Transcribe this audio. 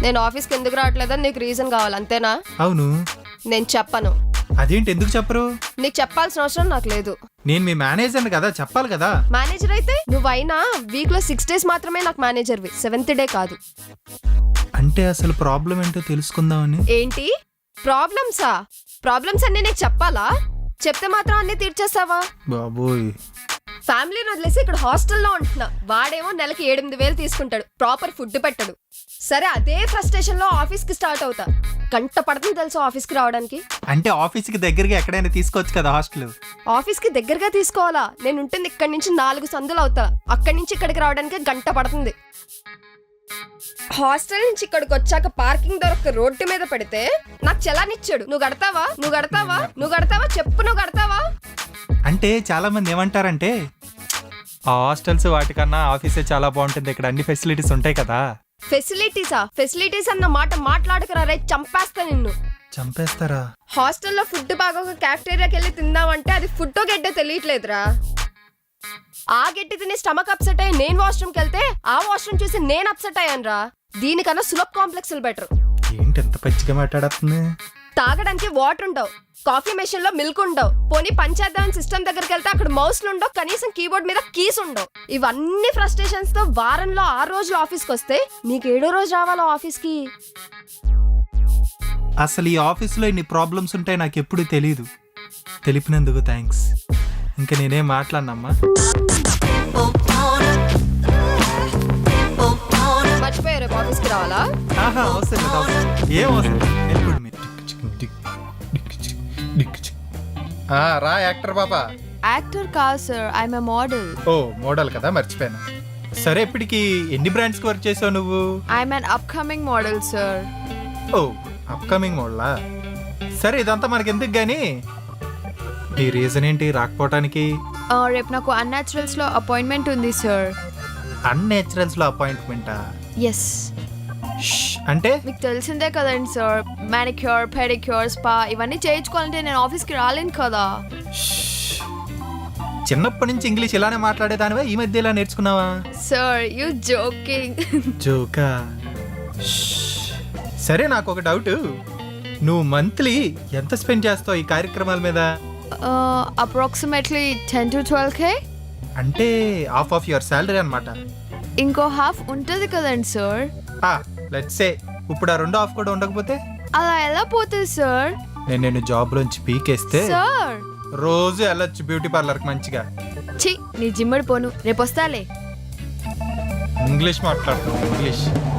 నేను ఆఫీస్కి ఎందుకు రావట్లేదని నీకు రీజన్ కావాలి అంతేనా? అవును. నేను చెప్పను. అదేంటి, ఎందుకు చెప్పరు? నీకు చెప్పాల్సిన అవసరం నాకు లేదు. నేను మీ మేనేజర్ కదా, చెప్పాలి కదా. మేనేజర్ అయితే నువ్వైనా వీక్ లో 6 days మాత్రమే నాకు మేనేజర్వి, 7th day కాదు. అంటే అసలు ప్రాబ్లం ఏంటో తెలుసుకుందామని. ఏంటి ప్రాబ్లమ్సా? ప్రాబ్లమ్స్ అన్ని నీకు చెప్పాలా? చెప్తే మాత్రం అన్ని తీర్చేస్తావా? బాబోయ్, ఫ్యామిలీని వదిలేసి ఇక్కడ హాస్టల్లో ఉంటున్నా. వాడేమో నెలకి 8,000 తీసుకుంటాడు, ప్రాపర్ ఫుడ్ పెట్టడు. సరే అదే ఫ్రస్ట్రేషన్ లో ఆఫీస్ కి స్టార్ట్ అవుతా. గంట పడుతుంది తెలుసు ఆఫీస్ కి రావడానికి. అంటే ఆఫీస్ కి దగ్గరగా ఎక్కడైనా తీసుకోవచ్చు కదా హాస్టల్. ఆఫీస్ కి దగ్గరగా తీసుకోవాలా? నేను ఉంటుంది ఇక్కడి నుంచి 4 సందులు అవుతా. అక్కడి నుంచి ఇక్కడికి రావడానికి గంట పడుతుంది. హాస్టల్ నుంచి ఇక్కడికి వచ్చాక పార్కింగ్ దొరక్క రోడ్డు మీద పెడితే నాకు చలానిచ్చాడు. నువ్వు కడతావా? నువ్వు కడతావా? నువ్వు కడతావా? చెప్పు, నువ్వు కడతావా? అంటే చాలా మంది ఏమంటారంటే ఆ హాస్టల్స్ వాటికన్నా ఆఫీసే చాలా బాగుంటుంది, ఇక్కడ అన్ని ఫెసిలిటీస్ ఉంటాయి కదా. ఫెసిలిటీసా? ఫెసిలిటీస్ అన్న మాట మాట్లాడకరా రే, చంపేస్తా నిన్ను. చంపేస్తారా? హాస్టల్లో ఫుడ్ బాగా ఒక క్యాఫ్టేరియాకి వెళ్ళి తిందామంటే అది ఫుడ్ గడ్డ తెలియట్లేదురా. ఆ గడ్డి తిని స్టమక్ అప్సెట్ అయ్యి నేను వాష్రూమ్కి వెళ్తే ఆ వాష్రూమ్ చూసి నేను అప్సెట్ అయ్యాను రా. దీనికన్నా సులభ్ కాంప్లెక్స్లు బెటర్. ఏంటి ఎంత పచ్చిగా మాట్లాడుతుంది? తాగడానికి వాటర్ ఉండవు, కాఫీ మెషిన్ లో మిల్క్ ఉండవు, పోనీ పంచేద్దాం సిస్టమ్ దగ్గరికి వెళ్తే అక్కడ మౌస్లు ఉండవు, కనీసం కీబోర్డ్ మీద కీస్ ఉండవు. ఇవన్నీ ఫ్రస్ట్రేషన్స్ తో వారంలో 6 రోజులు ఆఫీస్కి వస్తే నీకు 7వ రోజు రావాలా ఆఫీస్కి? అసలు ఈ ఆఫీస్లో ఇన్ని ప్రాబ్లమ్స్ ఉంటాయి నాకు ఎప్పుడు తెలీదు. తెలిపినందుకు థ్యాంక్స్. ఇంకా నేనేం మాట్లాడినమ్మా. మర్చిపోయారు రేపు ఆఫీస్కి రావాలా? ఏం అవసరం. రా యాక్టర్ బాబా. యాక్టర్ కాదు సార్, ఐఎమ్ ఎ మోడల్. ఓ మోడల్ కదా, మర్చిపోయాను. సరే ఇప్పటికి ఎన్ని బ్రాండ్స్ కి వర్క్ చేసావు నువ్వు? I'm an upcoming model sir. ఓ అప్కమింగ్ మోడలా? సరే ఇదంతా మనకి ఎందుకు గానీ నీ రీజన్ ఏంటి రాకపోవటానికి? రేపు నాకు అన్యాచురల్స్ లో అపాయింట్మెంట్ ఉంది సార్. అన్నేచురల్స్ లో అపాయింట్మెంటా? ఎస్. అంటే మీకు తెలిసిందే కదండి సార్, మానిక్యూర్, పెడిక్యూర్, స్పా ఇవన్నీ చేయించుకోవాలంటే నేను ఆఫీస్కి రాలేను కదా. చిన్నప్పటి నుంచి ఇంగ్లీష్ ఇలానే మాట్లాడేదానివా, ఈ మధ్య ఇలా నేర్చుకున్నావా? Sir you joking. జోకా? సరే నాకు ఒక డౌట్, నువ్వు మంత్లీ ఎంత స్పెండ్ చేస్తావు ఈ కార్యక్రమాల మీద? Approximately 10 to 12K. అంటే హాఫ్ ఆఫ్ యువర్ శాలరీ అన్నమాట. ఇంకో హాఫ్ ఉంటుంది కదండి సార్. లెట్స్ సే ఇప్పుడు ఆ రెండో హాఫ్ కూడా ఉండకపోతే? అలా ఎలా పోతుంది సార్? నేను జాబ్ లోంచి పీకేస్తే సార్ రోజు వెళ్ళొచ్చు బ్యూటీ పార్లర్ కి మంచిగా. ఛీ, నీ జిమ్మడి పోను, రేపు వస్తాలే. ఇంగ్లీష్ మాట్లాడుతున్నావు, ఇంగ్లీష్.